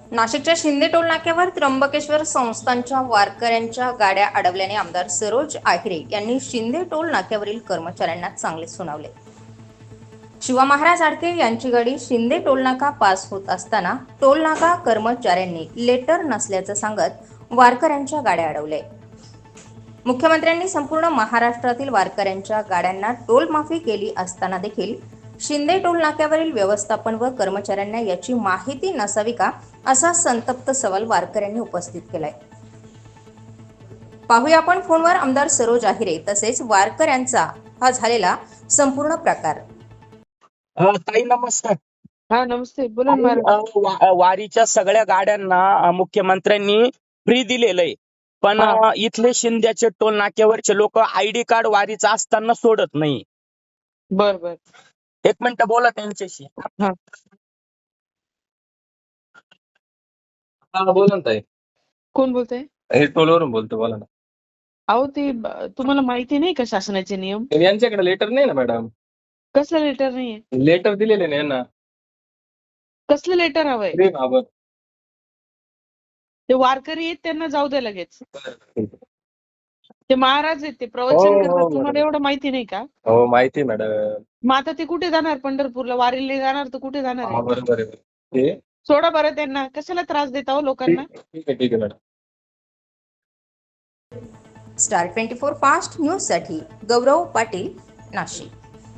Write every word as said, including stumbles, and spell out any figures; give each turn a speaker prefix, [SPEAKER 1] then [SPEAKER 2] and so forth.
[SPEAKER 1] नाशिकच्या शिंदे टोल नाक्यावर त्र्यंबकेश्वर संस्थानच्या वारकऱ्यांच्या गाड्या अडवल्याने आमदार सरोज आहिरे यांनी शिंदे टोल नाक्यावरील कर्मचाऱ्यांना चांगले सुनावले। शिवा महाराज आडके यांची गाडी शिंदे टोल नाका पास होत असताना टोल नाका कर्मचाऱ्यांनी लेटर नसल्याचं सांगत वारकऱ्यांच्या गाड्या अडवल्या। मुख्यमंत्र्यांनी संपूर्ण महाराष्ट्रातील वारकऱ्यांच्या गाड्यांना टोल माफी केली असताना देखील शिंदे टोल नाक्यावरील व्यवस्थापन व कर्मचाऱ्यांना याची माहिती नसावी का, असा संतप्त सवाल वारकऱ्यांनी उपस्थित केलाय। पाहूया आपण फोनवर आमदार सरोज आहिरे तसेच वारकऱ्यांचा हा झालेला संपूर्ण प्रकार।
[SPEAKER 2] ताई नमस्कार।
[SPEAKER 3] हा नमस्ते, बोला ना महाराज।
[SPEAKER 2] वा- वारीच्या सगळ्या गाड्यांना अ, मुख्यमंत्र्यांनी फ्री दिलेलं आहे, पण
[SPEAKER 3] हा.
[SPEAKER 2] अ, इथले शिंद्याचे टोल नाक्यावरचे लोक आयडी कार्ड वारीचा असताना सोडत नाही।
[SPEAKER 3] बर बर
[SPEAKER 2] एक मिनिट बोला त्यांच्याशी।
[SPEAKER 3] हा
[SPEAKER 4] हा बोला ना ताई,
[SPEAKER 3] कोण बोलतंय?
[SPEAKER 4] हे टोलवरून बोलतो, बोला ना।
[SPEAKER 3] अहो ते ब- तुम्हाला माहिती नाही का शासनाचे नियम?
[SPEAKER 4] यांच्याकडे लेटर नाही ना मॅडम,
[SPEAKER 3] कसलं लेटर नाहीये?
[SPEAKER 4] लेटर दिलेले नाही ना,
[SPEAKER 3] कसलं लेटर हवंय?
[SPEAKER 4] फ्री बाबत।
[SPEAKER 3] ते वारकरी आहेत, त्यांना जाऊ द्या लगेच। ते महाराज आहेत, ते
[SPEAKER 4] हो,
[SPEAKER 3] प्रवचन
[SPEAKER 4] हो,
[SPEAKER 3] करतात, तुम्हाला
[SPEAKER 4] मॅडम।
[SPEAKER 3] एवढं माहिती नाही का?
[SPEAKER 4] हो माहिती मॅडम।
[SPEAKER 3] मग आता ते कुठे जाणार? पंढरपूरला वारीला जाणार तर कुठे जाणार
[SPEAKER 4] हा
[SPEAKER 3] आहे?
[SPEAKER 4] बरोबर आहे ते।
[SPEAKER 3] सोडा बरं त्यांना, कशाला त्रास देता हो लोकांना?
[SPEAKER 4] ठीक ठीक आहे ठीक आहे madam.
[SPEAKER 1] Star twenty four fast news साठी गौरव पाटील, नाशिक।